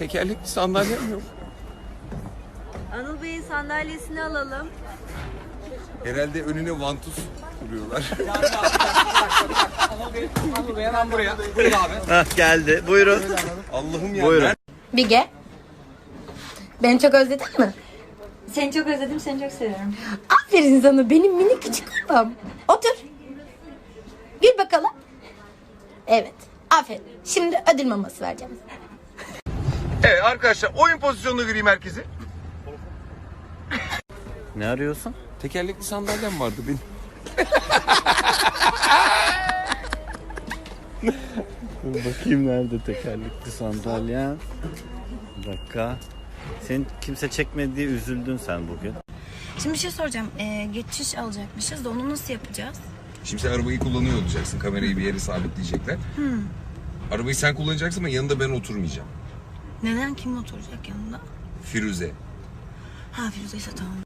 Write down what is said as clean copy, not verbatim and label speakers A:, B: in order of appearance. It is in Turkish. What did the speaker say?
A: Tekerlekli sandalyem yok.
B: Anıl Bey'in sandalyesini alalım.
A: Herhalde önüne vantuz kuruyorlar.
C: Anıl Bey hemen buraya. Buyurun abi.
D: Hah, geldi. Buyurun.
A: Allah'ım ya.
D: Buyurun.
E: Bige. Beni çok özledin mi?
B: Seni çok özledim, seni çok seviyorum.
E: Aferin sana benim minik küçük adam. Otur. Gül bakalım. Evet. Aferin. Şimdi ödül maması vereceğim.
A: Evet arkadaşlar, oyun pozisyonuna gireyim herkesi.
D: Ne arıyorsun?
A: Tekerlekli sandalyem vardı benim.
D: Bakayım nerede tekerlekli sandalye. Bir dakika. Senin kimse çekmedi diye üzüldün sen bugün.
E: Şimdi bir şey soracağım. Geçiş alacakmışız da onu nasıl yapacağız?
A: Şimdi sen arabayı kullanıyor olacaksın. Kamerayı bir yere sabitleyecekler. Arabayı sen kullanacaksın ama yanında ben oturmayacağım.
E: Neden? Kim oturacak yanında?
A: Firuze.
E: Ha, Firuze ise tamam.